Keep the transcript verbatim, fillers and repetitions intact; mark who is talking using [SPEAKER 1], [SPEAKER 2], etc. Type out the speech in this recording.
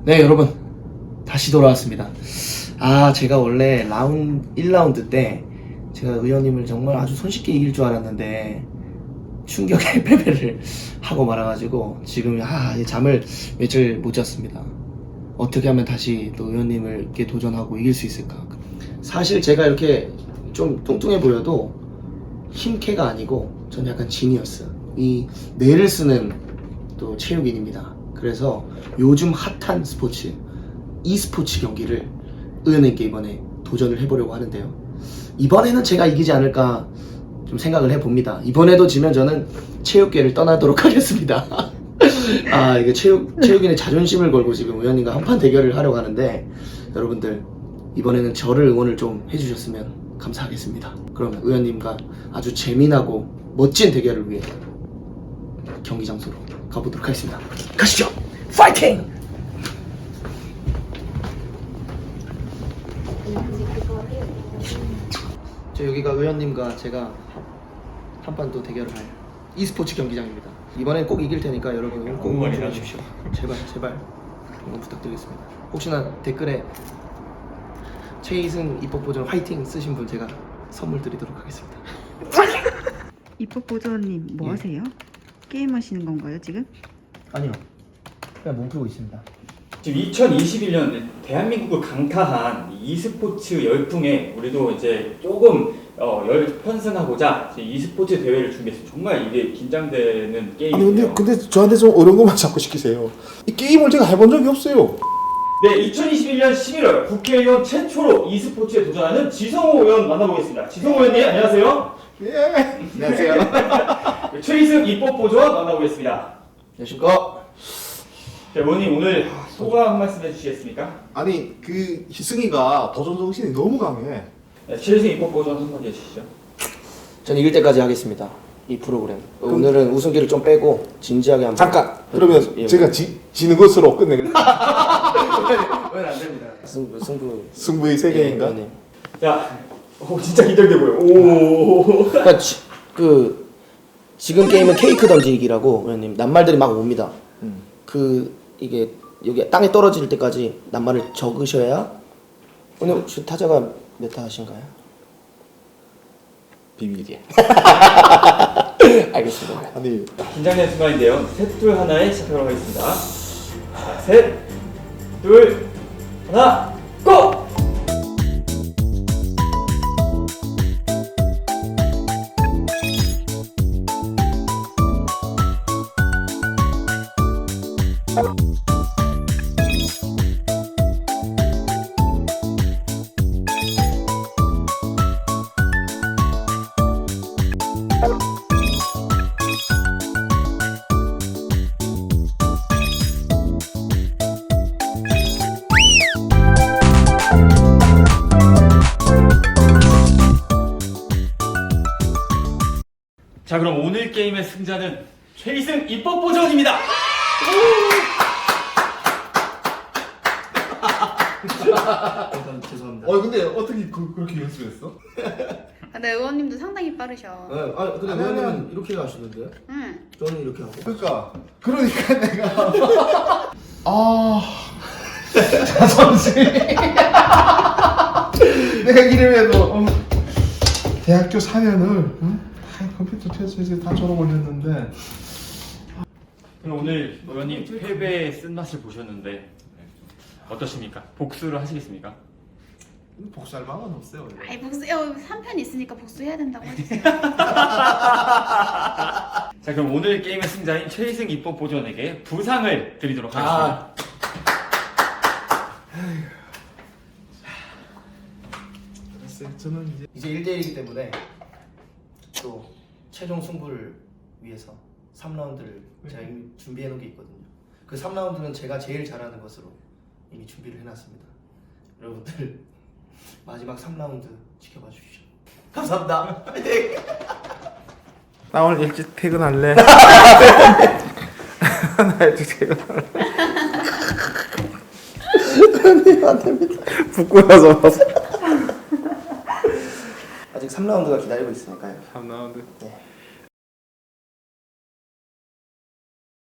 [SPEAKER 1] 네, 여러분 다시 돌아왔습니다. 아, 제가 원래 라운드 일 라운드 때 제가 의원님을 정말 아주 손쉽게 이길 줄 알았는데 충격의 패배를 하고 말아가지고 지금 아, 잠을 며칠 못 잤습니다. 어떻게 하면 다시 또 의원님을 이렇게 도전하고 이길 수 있을까? 사실 제가 이렇게 좀 뚱뚱해 보여도 힘캐가 아니고 저는 약간 지니어스, 이 뇌를 쓰는 또 체육인입니다. 그래서 요즘 핫한 스포츠 e스포츠 경기를 의원님께 이번에 도전을 해보려고 하는데요. 이번에는 제가 이기지 않을까 좀 생각을 해봅니다. 이번에도 지면 저는 체육계를 떠나도록 하겠습니다. 아, 이게 체육, 체육인의 자존심을 걸고 지금 의원님과 한판 대결을 하려고 하는데 여러분들 이번에는 저를 응원을 좀 해주셨으면 감사하겠습니다. 그러면 의원님과 아주 재미나고 멋진 대결을 위해 경기 장소로 가보도록 하겠습니다. 가시죠! 파이팅! 저 여기가 의원님과 제가 한판 또 대결을 할 e스포츠 경기장입니다. 이번엔 꼭 이길 테니까 여러분 응원 꼭 응원해 주십시오. 제발 제발 응원 부탁드리겠습니다. 혹시나 댓글에 최이승 입법 보전 화이팅 쓰신 분 제가 선물 드리도록 하겠습니다.
[SPEAKER 2] 입법보조님 뭐
[SPEAKER 1] 예.
[SPEAKER 2] 하세요? 게임 하시는 건가요 지금?
[SPEAKER 1] 아니요, 그냥 몸 풀고 있습니다.
[SPEAKER 3] 지금 이천이십일 년 대한민국을 강타한 e스포츠 열풍에 우리도 이제 조금 어, 열 편승하고자 이제 e스포츠 대회를 준비했어요. 정말 이게 긴장되는
[SPEAKER 4] 아니
[SPEAKER 3] 게임이에요.
[SPEAKER 4] 근데 근데 저한테 좀 어려운 것만 자꾸 시키세요. 이 게임을 제가 해본 적이 없어요.
[SPEAKER 3] 네, 이천이십일 년 십일월 국회의원 최초로 e스포츠에 도전하는 지성호 의원 만나보겠습니다. 지성호 의원님 안녕하세요.
[SPEAKER 4] 예.
[SPEAKER 1] 안녕하세요.
[SPEAKER 3] 최이승 입법보조원 만나보겠습니다.
[SPEAKER 1] 안녕하십니까.
[SPEAKER 3] 자, 의원님 오늘 소감 한 말씀 해주시겠습니까?
[SPEAKER 4] 아니 그 희승이가 도전 정신이 너무 강해.
[SPEAKER 3] 네, 최이승 입법보조원 한마디 해주시죠.
[SPEAKER 1] 전 이길 때까지 하겠습니다. 이 프로그램. 오늘은 우승기를 좀 빼고 진지하게 한번.
[SPEAKER 4] 잠깐. 그러면
[SPEAKER 1] 예,
[SPEAKER 4] 제가 지, 지는 것으로 끝내겠습니다.
[SPEAKER 1] 왜안 됩니다. 승부 승부.
[SPEAKER 4] 승부의 세계인가?
[SPEAKER 1] 예, 네.
[SPEAKER 3] 자, 오, 진짜 긴장돼 보여. 오.
[SPEAKER 1] 그러니까 지, 그 지금 게임은 케이크 던지기라고 의원님 낱말들이 막 옵니다.
[SPEAKER 4] 음.
[SPEAKER 1] 그 이게 여기 땅에 떨어질 때까지 낱말을 적으셔야. 오늘 혹시 타자가 몇 타하신가요?
[SPEAKER 4] 비밀이야.
[SPEAKER 1] 알겠습니다.
[SPEAKER 4] 아니
[SPEAKER 3] 긴장되는 순간인데요. 셋, 둘, 하나에 시작하도록 하겠습니다. 자, 셋, 둘, 하나, 고! 자, 그럼 오늘 게임의 승자는 최이승 입법보조원입니다.
[SPEAKER 1] 죄송합니다.
[SPEAKER 4] 어 근데 어떻게 그, 그렇게 연습했어?
[SPEAKER 5] 근데 의원님도 상당히 빠르셔.
[SPEAKER 1] 네, 아 근데
[SPEAKER 4] 아니,
[SPEAKER 1] 의원님은
[SPEAKER 4] 아니.
[SPEAKER 1] 이렇게 하시는데요?
[SPEAKER 5] 응.
[SPEAKER 1] 저는 이렇게 하고.
[SPEAKER 4] 그러니까 그러니까 내가 아 자존심. 내가 이름에도 어, 대학교 사 년을 응? 다 컴퓨터 테스트에서 다 졸업 올렸는데.
[SPEAKER 3] 그럼 오늘 의원님 패배의 쓴맛을 보셨는데 어떠십니까? 복수를 하시겠습니까?
[SPEAKER 4] 복수할 마음은 없어요.
[SPEAKER 5] 아이 복수, 어, 삼 편 있으니까 복수해야 된다고 해주세요.
[SPEAKER 3] 자, 그럼 오늘 게임의 승자인 최이승 입법보조원에게 부상을 드리도록 하겠습니다.
[SPEAKER 4] 알았어요. 저는 이제
[SPEAKER 1] 이제 일 대일이기 때문에 또 최종 승부를 위해서 삼 라운드를 제가 이미 준비해 놓은 게 있거든요. 그 삼 라운드는 제가 제일 잘하는 것으로 이미 준비를 해놨습니다. 여러분들 마지막 삼 라운드 지켜봐 주십시오. 감사합니다. 화이팅!
[SPEAKER 4] 나 오늘 일찍 퇴근할래. 나 일찍 퇴근할래.
[SPEAKER 1] 안 됩니다.
[SPEAKER 4] 부끄러워서.
[SPEAKER 1] 아직 삼 라운드가 기다리고 있으니까요.
[SPEAKER 4] 삼 라운드.
[SPEAKER 1] 네.